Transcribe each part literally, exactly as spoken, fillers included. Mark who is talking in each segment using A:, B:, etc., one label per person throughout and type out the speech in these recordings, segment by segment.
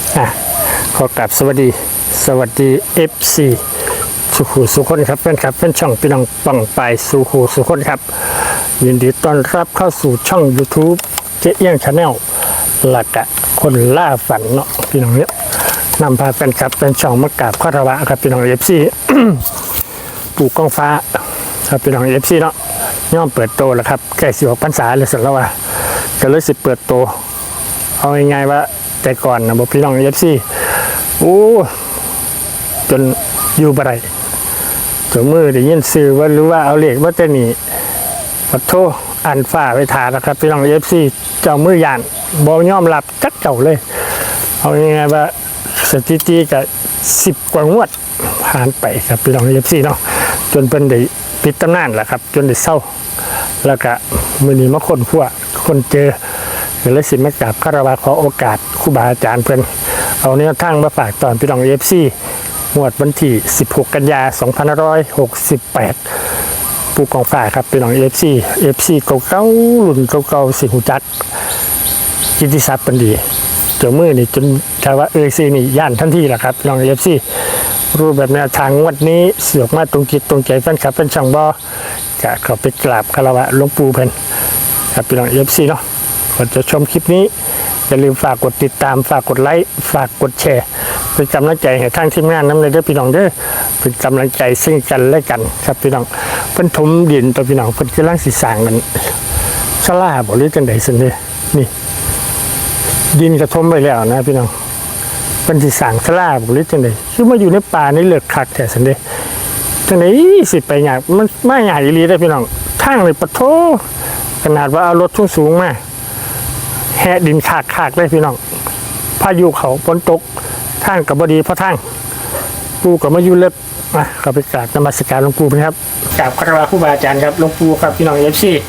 A: อ่ะขอกราบสวัสดีสวัสดี เอฟ ซี สุขูสุคนครับเป็นครับเป็นช่องพี่น้องปังไปสุขูสุคนครับยินดีต้อนรับเข้าสู่ช่อง YouTube เจ๊เอี้ยงชาแนลหลักอะคนล่าฝันเนาะพี่น้องเนี้ยนำพาเป็นครับเป็นช่องมะกราบคารวะครับพี่น้อง เอฟ ซี ปู่กองฟ้าครับพี่น้อง เอฟ ซี เนาะย่อมเปิดโตแล้วครับแก่สิบหกพรรษาเลยเสร็จแล้วว่าก็เลยสิเปิดโตเอาง่ายๆว่าแต่ก่อนนะบอกพี่น้อง เอฟ ซี โอ้จนอยู่บ่ไรจนมือได้ยินซื้อว่ารู้ว่าเอาเหล็กว่าจะหนีปัดโทอันฝ้าไปทานะครับพี่น้อง เอฟ ซี เจ้ามือยานบอยอมรับจักเจ้าเลยเอาง่ายๆว่าสถิติกับสิบกว่างวดผ่านไปครับพี่น้อง เอฟ ซี เนาะจนเป็นได้ปิดตำนานแหละครับจนได้เศร้าแล้วก็มือนี้มาคนขั้วคนเจอก็เลยสิมากราบคารวะขอโอกาสครูบาอาจารย์เพิ่นเอาแนวทางมาฝากตอนพี่น้อง เอฟ ซีงวดวันที่สิบหกกันยายนสองพันห้าร้อยหกสิบแปดปูกองฝ่ายครับพี่น้อง เอฟ ซี เอฟ ซี เก่าๆรุ่นเก่าๆสิหูจักกิตติศัพท์เป็นดีเจ้ามือนี่จนถ้าว่าเอฟซีนี่ย่านทันทีแหละครับพี่น้อง เอฟ ซี รูปแบบแนวทางงวดนี้เสือกมาตรงจิตตรงใจแฟนคลับเป็นช่างบ่จะเข้าไปกราบคารวะหลวงปู่เพิ่นครับพี่น้อง เอฟ ซี เนาะก่อนจะชมคลิปนี้อย่าลืมฝากกดติดตามฝากกดไลค์ฝากกดแชร์เป็นกำลังใจให้ทางทีมงานน้ำเลยเด้อพี่น้องเด้อเป็นกำลังใจซึ่งกันและกันครับพี่น้องเพิ่นถมดินตัวพี่น้องเพิ่นกำลังสิสร้างกันศาลาบ่หรือจังได๋ซั่นเด้นี่ดินกระทมไปแล้วนะพี่น้องเพิ่นสิสร้างศาลาบ่หรือจังได๋คือมาอยู่ในป่าในเลือกคักแท้ซั่นเด้จังได๋สิไปยากมันมาใหญ่อีหลีเด้อพี่น้องทางนี่ปะโถขนาดว่าเอารถสูงๆมาแห่ดินขากขากเลยพี่น้องพายุเขาฝนตกทางกับบดีเพราะทางปูกับมายุเล็บมาเข้าไปกราบนมัสการหลวงปู่นะครับกราบคารวะครูบาอาจารย์ครับหลวงปู่ครับพี่น้อง เอฟ ซี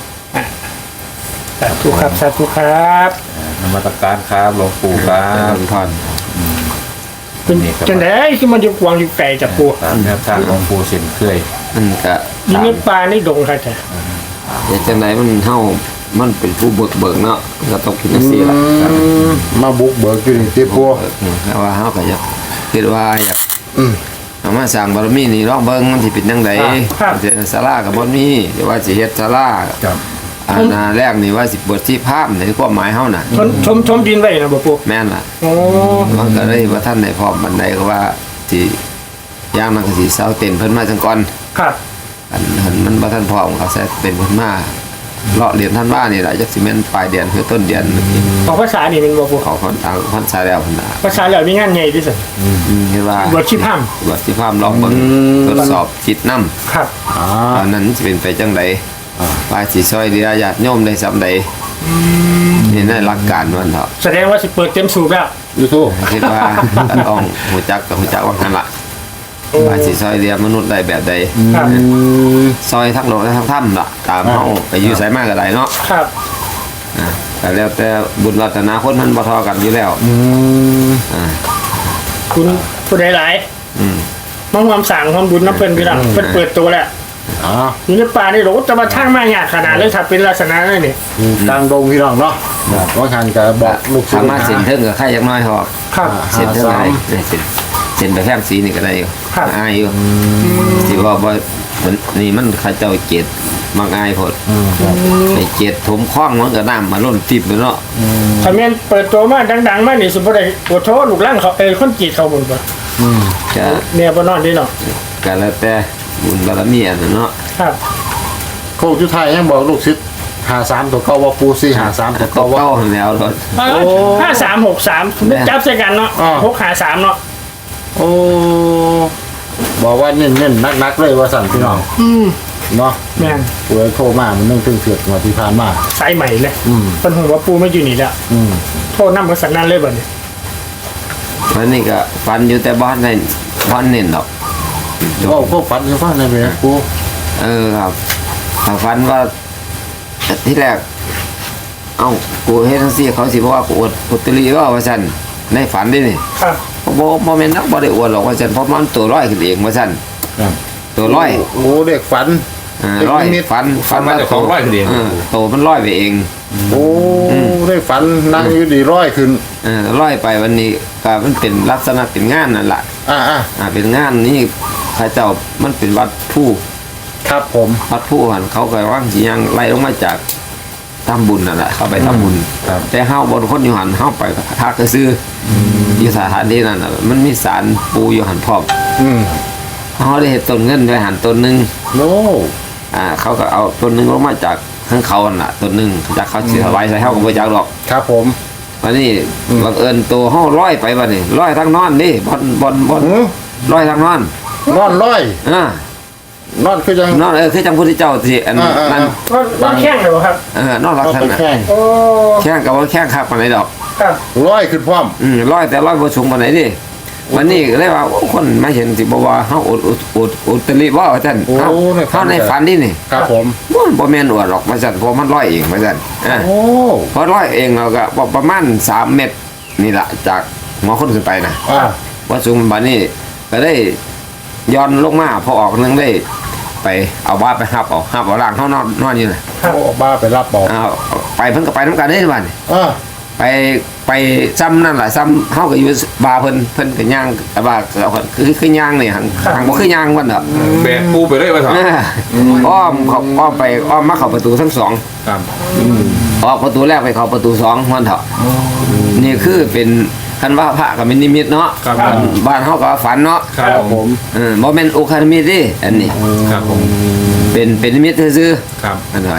A: สาธุครับสาธุครับ
B: นมัสการครับหลวงปู่ครับท่าน
A: เป็นจังได๋คือมันอยู่กวางอยู่ไกลจากปู่
B: แนวทางหลวงปู่เส้นเคย
C: มันก็
A: อยู่ในป่าในดงครับจ้ะ
C: แต่จังได๋มันเฮามันเป็นผู้เบิกเบิกเนาะก็ต้องคิดจังซี่ล่ะ
B: มาบุกเบิกอยู่นี่ติปู่
C: แต่ว่าเฮาก็อยากคิดว่าอยากอืมเอามาสร้างบารมีนี่ลองเบิ่งมันสิเป็นจังได๋สิศาลาก็บ่มีแต่ว่าสิเฮ็ดศาลาครับอันน่ะแรกนี่ว่าสิเปิดที่ภาพในความหมายเฮาน่ะ
A: ชมชมชมดินไว้นะบ่ปู่
C: แม่นล่ะ
A: โอ้
C: มันก็เลยว่าท่านได้พร้อมบันไดก็ว่าสิย่างมันก็สิเซาเต็นเพิ่นมาจังก่อน
A: ครับ
C: อันมันบ่ทันพร้อมก็ใส่เต็นเพิ่นมาเลาะเรียนท่านว่านี่แหละจักสิแม่นปลายเดือนคือต้นเดือน
A: ของภาษานี่เป็นบ่ปู่
C: เขาคนทางภาษาแล้วพุ่นน่ะ
A: ภาษาแล้วมีงานใหญ่ที่สุด
C: อืมเห็นว่า
A: บวชชีพราม
C: บวชชีพรามลองเบิ่งทดสอบจิตนำ
A: ครับ
C: อ๋อตอนนั้นสิเป็นไปจังได๋ว่าสิซอยเหลือญาติโยมได้ซำใดอืมนี่ในหลักการมันเถาะ
A: แสดงว่าสิเปิดเต็มสูบแล้ว
C: อยู่ทูคิดว่าต้องฮู้จักก็ฮู้จักว่าคั่นล่ะว่าสิซอยเหลือมนุษย์ได้แบบใดซอยทั้งโลกและทั้งธรรมล่ะตามเฮาไปอยู่ไสมาก็ได้เนาะ
A: ครับ
C: อ่าแต่แล้วแต่บุญวาสนาคนมันบ่เท่ากันอยู่แล้วอื
A: มอ่าคุณผู้ใดหลายอืมมาร่วมสร้างความบุญนำเพิ่นพี่น้องเพิ่นเปิดตัวแล้วอ๋ออยู่ในป่านี่โหจะมาทางมายากขนาดเลยถ้าเป็นลักษณะนั้นนี่
B: ทางดงพี่น้องเนาะว่าคันก็บอกลูกศิษย์
C: สามารถเส้นเทิงกับใครจักน้อยพอ
A: ครับ
C: เส้นเทิงได้เส้นเส้นไปแพงสีนี่ก็ได้อยู่อายอยู่สิว่าบ่นี่มันเขาเจ้าเกตมักอายพดไอ้เกตถมคล้องมันก็น้ำมาล้นติบเนาะ
A: ถ้าแม่นเปิดตัวมาดังๆมานี่สิบ่ได้ปวดท้อลูกหลานเขาเอ้คนจีดเขาบ่บ่อืมก็เนี่ยบ่นอนดีเนาะ
C: ก็แล้วแต่บุญบารมีอันนั้นเนาะ
A: ครับ
B: โคกจุไทยยังบอกลูกศิษย์ห้าสามตัวเก่าว่าปูสี่ห้าสามตัวเก่าว่า
C: แล้วรถ
A: ห้าสามหกสามจับใส่กันเนาะหกห้าสามเนาะ
B: โอ้บอกว่าเน้นๆนักๆเลยว่าสั่นพี่น้อง
A: อืม
B: เนาะ
A: แม่น
B: ปูโทรมามันนึ่งถึงเสือกมาที่ผ่านมา
A: สายใหม่เลยอืมเพิ่นฮู้ว่าปูไม่อยู่นี่แล้วอืมโทรนำกับสันนั้นเลยบัดนี้
C: วันนี้ก็ฟันอยู่แต่บ้านในบ้านเน้นดอก
B: ก็พวกฟันอยู่บ้านในเมียปู
C: เออครับฟันว่าที่แรกเอ้ากูเฮ็ดจังซี่เขาสิบอกว่ากูอวดพุทธลีก็ว่าซั่นในฝันดินี่
A: ครับ
C: บ่บ่แม่นนักบ่ได้อวดหรอกว่าซั่นเพราะมันตัวร้อยขึ้นเองว่าซั่น
B: ครับ
C: ตัวร้อย
B: โอ้เด็กฝัน
C: อ่าร้อยฝันฝันว่า
B: ของร้อยขึ้นเอง
C: เออโตมันร้อยไปเอง
B: โอ้ได้ฝันนั่งอยู่ดีร้อยขึ้น
C: เออร้อยไปวันนี้ก็มันเป็นลักษณะเป็นงานนั่นแหละ
B: อ่าอ่า
C: อ่าเป็นงานนี่พระเจ้ามันเป็นวัดผู้
B: ครับผม
C: วัดผู้หันเขาก็ว่างสิยังไล่ลงมาจากทำบุญนั่นแหละเขาไปทำบุญ
B: ครับ
C: แต่เฮาบนคนอยู่หันเฮาไปทักก็ซื้อออยู่สถานที่นั่นน่ะมันมีศาลปูอยู่หันพร้อม
B: อืม
C: เฮาได้เห็นต้นเงินไว้หันต้นหนึง
B: โน้
C: อ่าเขาก็เอาต้นหนึงลงมาจากข้างเขาน่ะต้นหนึงจากเขาสิถวายใส่เฮาก็บ่จักดอก
B: ครับผม
C: วันนี้
B: อืม
C: บังเอิญตัวเฮาร้อยไปบัดนี้ร้อยทางนอนนี่บ่อนบ่อนบ่อน
B: อืม
C: ร้อยทางนอน
B: นอนร้อย
C: อ่าน
B: อนคือยัง
C: นอนเออคือจังพุทธเจ้าที่อัน
B: อ่าอ่า
C: นั้น
A: ก็ต้องแข้งเลยบ่ครับ
C: เออนอนรัก
B: เอา
C: ท่าน
B: ไป
C: น่ะ
B: แข่ง
A: โอ้
C: แข้งก็บ่แข้งคักปานใดดอก
A: ครับ
B: ร้อยขึ้นพร้อม
C: อืมร้อยแต่ร้อยบ่สูงปานไหนดิวันนี้ก็เลยว่าโอ้คนมาเห็นสิบ่ว่าเฮาอดอดอดอดตลิบ่ว่าซั่น
B: โอ้
C: เฮา
B: ในฝัน
C: เฮาในฝันนี่นี่
B: ครับผม
C: บ่บ่แม่นอวดหรอกว่าซั่นเพราะมันร้อยเองว่าซั่นอ่า
B: โอ้
C: พอร้อยเองเราก็บ่ประมาณสามเมตรนี่ล่ะจากหัวคนขึ้นไปนะ
B: อ่า
C: ว่าสูงบัดนี้ก็ได้ย้อนลงมาพอออกนึงได้ไปเอาบ้าไปหับเอาหับเอาล่างเฮานอนนอนอยู่น่ะ
B: โอ้บ้าไปรับบอก
C: เอาไปเพิ่นก็ไปนํกันเด้บัดนี้
B: อ่า
C: ไปไปซ้ำนั่นแหละซ้ำเฮาก็อยู่บาร์เพิ่นเพิ่นก็ย่างแต่ว่าก็คือคือย่างนี่หันทางบ่คือย่างวันดอก
D: แบกปูไปเลยว่าถอด
C: เอออ้อมเขาอ้อมไปอ้อมมาเข้าประตูทั้งสอง
D: ครับ
C: ออกประตูแรกไปเข้าประตูสองมันเถอะนี่คือเป็นคันว่าพระก็เป็นนิมิตเนาะ
D: ครับ
C: บ้านเฮาก็ว่าฝันเนาะ
D: ครับผม
C: เออบ่แม่นโอคานิมิตเดิอันนี้
D: ครับผม
C: เป็นเป็นนิมิตซื่อ
D: ครับ
C: ๆอันไหน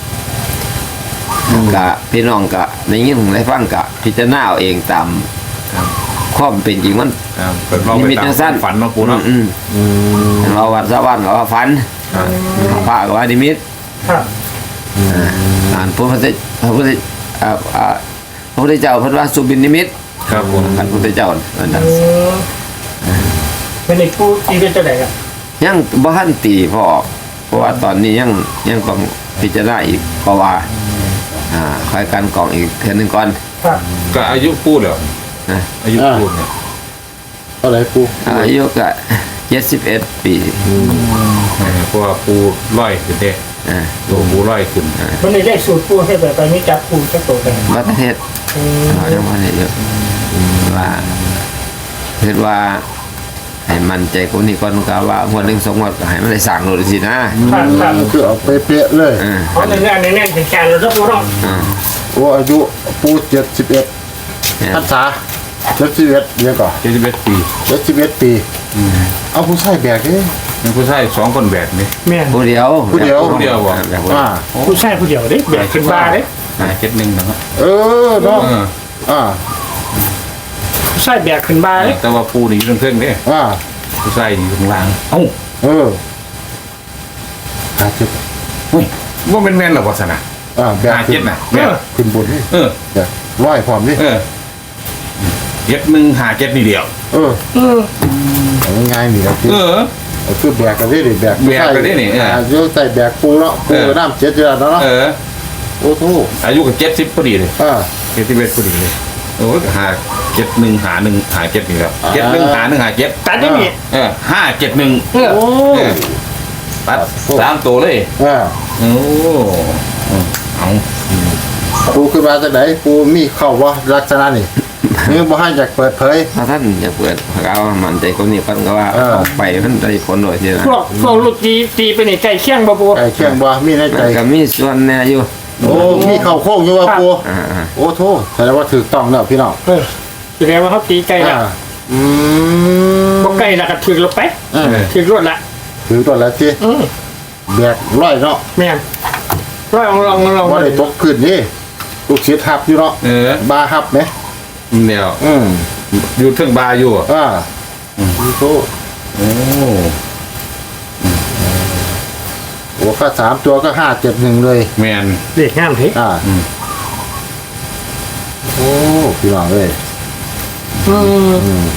C: กะพี่น้องกะในยินได้ฟังกะพิจารณาเอาเองตาม
D: ครับ
C: ความเป็นจริงมัน
D: ครับเป็นเรา
C: นิ
D: ไป
C: มิต
D: ตาม
C: จังสั้น
D: ฝันเนาะปูเนาะ
C: อืมอืมเราวัดสะวันก็ว่าฝัน
D: ครับ
C: พระก็ว่านิมิต
A: ครับ
C: อ่านพระพุทธพระพุทธอ่าอ่าพระพุทธเจ้าเพิ่นว่าสุบินนิมิต
D: ครับผม
C: พระพุทธเจ้านั่นน่ะ
A: อืมเป็นอีกผู้ตีเป็นเจ้าไหนครับ
C: ยังบ่ทันตีพอออกเพราะว่าตอนนี้ยังยังต้องพิจารณาอีกเพราะว่าอ่าคอยการกรองอีกเทื่อหนึงก่อน
A: ครับ
D: ก็อายุปูแล้ว
C: นะ
D: อายุปูเนี่ย
B: อะไรปู
C: อายุก็เจ็ดสิบเอ็ดปี
D: เออเพราะว่าปูร้อยขึ้นเด้
C: อ่า
D: ตัวปูร้อยขึ้น
A: มันเลยได้สูตรผู้ให้แบบไปไม่จับผู้จะโตกัน
C: วัดเทศ
A: อืม
C: เรายังบ่ได้เยอะว่าเฮ็ดว่าให้มั่นใจคนนี้ก่อนก็ว่างวดหนึงสองงวดก็ให้มันได้สร้างโลดสินะครับ
A: ครับ
B: คือเอาเป๊ะๆเลย
C: เออ
A: เพราะในงานในแน่นแข็งๆเราต้องรู้ต้อง
C: อ่า
B: โอ้อายุปูเจ็ดสิบเอ็ด
C: เนี่ย
B: พรรษาเจ็ดสิบเอ็ดเดี๋ยวก่อน
D: เจ็ดสิบเอ็ดปี
B: เจ็ดสิบเอ็ดปีเอาผู้ชายแบกเอ้
D: มีผู้ชายสองคนแบกนี่
A: แม่น
C: ผู้เดียว
B: ผู้เดียว
D: ผู้เดียวบ่
C: แบบผู้
B: อ่า
A: ผู้ชายผู้เดียวเด้แบกขึ้นบ้าเด้
D: หาเจ็ดหนึ่งนะครับ
B: เออเนาะ
D: เออ
B: อ่า
A: ผู้ชายแบกขึ้นบ้าเด้
D: แต่ว่าปูนี่อยู่เครื่องเด้
B: อ่า
D: ผู้ชายนี่อยู่ข้างล่างเอ้า
B: เออหาเจ็ด
D: เฮ้ยว่าเป็นแม่นหรอวะสนะ
B: อ่าแบก
D: หา
B: ขึ้
D: เจ็ด
B: น
D: น่ะแม่น
B: ขึ้นบนนี่
D: เออ
B: แบกร้อยพร้อมนี่
D: เออเจ็ดหนึ่งหาเจ็ดนี่เดียว
B: เออ
A: เออ
B: เอาง่ายๆนี่ครับพี่
D: เออ
B: เอาคือแบกกันได้ดิแบก
D: แบกกันได้นี่เออ
B: อ่าเดี๋ยวใส่แบกปูเนาะปู
D: เออ
B: น้ำเจ็ดเดือนแล้วเนาะ
D: เออ
B: โอ้โห
D: อายุกับเจ็ดสิบพอดีเลย
B: อ่า
D: เจ็ดสิบเอ็ดพอดีเลยโอ้ยหาเจ็ดหนึ่งหาหนึ่งหาเจ็ดนี่ครับ
B: อ่า
D: เจ็ดหนึ่งหาหนึ่งหาเจ็ด
A: ตัดได้นี่
D: เออห้าเจ็ดหนึ่ง
A: เออ
B: โอ้
D: เออ ตัดสามตัวเลย
B: อ่า
D: โอ้เอา
B: ปูขึ้นมาจากไหนปูมีเข้าว่าลักษณะนี่นี่บ่ให้อยากเปิดเผย
C: ถ้าท่านอยากเปิดเอามั่นใจคนนี้ก่อนก็ว่า
B: เออ
C: เอาไปมันได้ผลโดยที่นะ
A: พวกพวกลูกตีตีไปนี่ไก่เคี่ยงบ่ปู
B: ไอ้เชียงบ่มีในใจ
C: มันก็มีส่วนแน่อยู่
B: โอ้มีเข้าโค้งอยู่ว่าปู
C: อ่า
B: โอ้โทแสดงว่าถูกต้องแล้วพี่น้อง
A: เออแสดงว่าเขาตีไก่ละ
B: อ่าอืม
A: บ่ไก่ละก็ถึกลงไป
B: เออ
A: ถึกรวดละ
B: ถือตัวแล้วสิ
A: อืม
B: แบกร้อยเนาะ
A: แม่นร้อยลองลองลอง
B: ว่าได้ตกพื้นนี่ลูกศิษย์ฮับอยู่เนาะ
D: เออบ
B: าฮับไหม
D: เดี๋ยว
B: อืม
D: อยู่เทิงบาร์อยู่อ่ะ
B: อ่าอืมโต
D: โอ้
B: โอ้ค่าสามตัวก็ห้าเจ็ดหนึ่งเลย
D: แมน
A: เด็กงามเฮ้
B: อ่า
D: อืม
B: โอ้พี่น้องเลย
A: อืม
B: อืม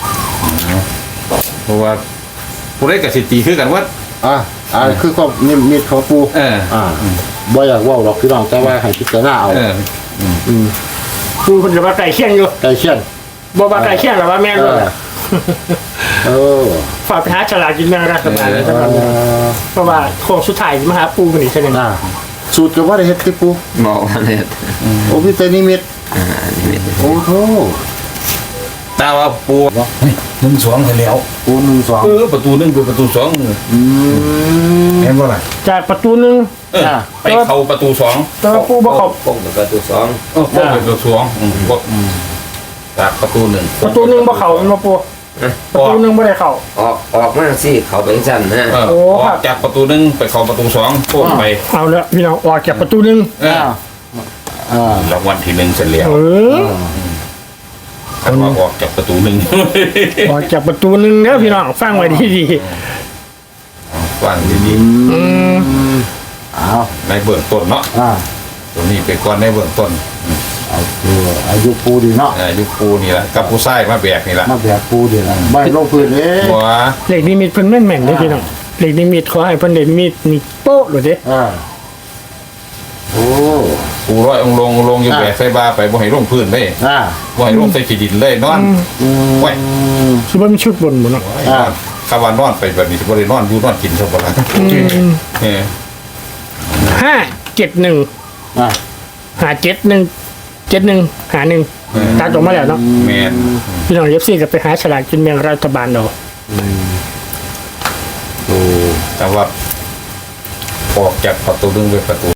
D: เพราะว่าผู้ได้กับสิตีคือกันว่า
B: อ่าอ่าคือความนิมิตของปู
D: เออ
B: อ่าบ่อยากเว่าหรอกพี่น้องแต่ว่าให้พิจารณาเอา
D: เออ
B: อืม
A: ปูเพิ่นจะว่าไก่เคี่ยงอยู่
B: ไก่เชียน
A: บ่ว่าไก่เคี่ยงหรอว่าแม่น
B: เอ
A: บ่
B: อ
A: ล่ะ
B: เออ
A: ฝากไปหาฉลากกินแบ่งรัฐบาลเลย
B: เอ
A: จังหวัด
B: อ
A: เพราะว่าโค้งสุดท้ายมาหาปูกันอีกเท่านึง
B: อ่าสูตรก็ว่าได้เฮ็ดที่ปู
C: บอกว่าเนี่ย
B: โอ้พี่เตนิมิต
C: อ่านี่เป็น
B: โอ้โห
D: ตาว่าปูเฮ้ยหนึ่งสองให้แล้ว
B: ปูหนึ่งสอง
D: เออประตูหนึ่งเป็นประตูสอง
B: อืม
D: เห็นว่าไร
A: จากประตูหนึ่ง
D: เออไปเข้าประตูสอง
A: แต่ว่าปูบ่เข้า
C: ป้องกับประตูสอง
D: เออเข้าประตูสองอืมบ่จากประตูหนึ่ง
A: ประตูหนึ่งบ่เข้ามันบ่ปูประตูหนึ่งบ่ได้เข้า
C: ออกออกมาสิเขาไปสั่นนะ
D: เออ
A: โอ้
D: อ
A: ครั
D: อบ กจากประตูหนึ่งไปเข้าประตูสองโค้งไป
A: เอาละพี่น้องออกจากประตูหนึ่ง
D: เออ
B: อ่าอ่าร
D: างวัลที่หนึ่งเสร็จแล้ว
A: เออ
D: คันว่าออกจากประตูหนึ่ง
A: ออกจากประตูหนึ่งเด้อพี่น้องฟังไว้ดี
D: ฟังดี
A: ๆอืม
B: อ้าว
D: ๆในเบื้องต้นเนาะ
B: อ่า
D: ตัวนี้ไปก่อนในเบื้องต้น
B: เอาคืออายุปูดีเนาะ
D: อายุปูนี่แหละกับผู้ชายมาแบกนี่แหละ
B: มาแบกปูดีนะไม่ลงพื้นเอง
D: บัว
A: เลขนิมิตเพิ่นแม่นๆเด้อพี่น้องเลขนิมิตขอให้เพิ่นได้มีดนี่โป๊ะเลยเด้
B: อ่าโอ้
D: ปูร้อยองค์ลงลงอยู่แบกใส่บาไปบ่ให้ลงพื้นเลย
B: อ่า
D: บ่ให้ลงใส่ขี้ดินเลยนอน
B: อืม
D: ไว้
A: สิบ่มีชุดบนบ่เนาะ
B: อ่า
D: คำว่านอนไปแบบนี้สิบ่ได้นอนอยู่นอนกินซะบ่ล่ะเออ
A: ห้าเจ็ดหนึ่ง
B: อ่า
A: หาเจ็ดหนึ่งเจ็ดหนึ่งหาหนึ่งตัดออกมาแล้วเนาะ
D: แม่น
A: พี่น้องเอฟซีก็ไปหาฉลากกินแบ่งรัฐบาลเอา
B: โอ้
D: แต่ว่าออกจากประตูหนึงไปประตู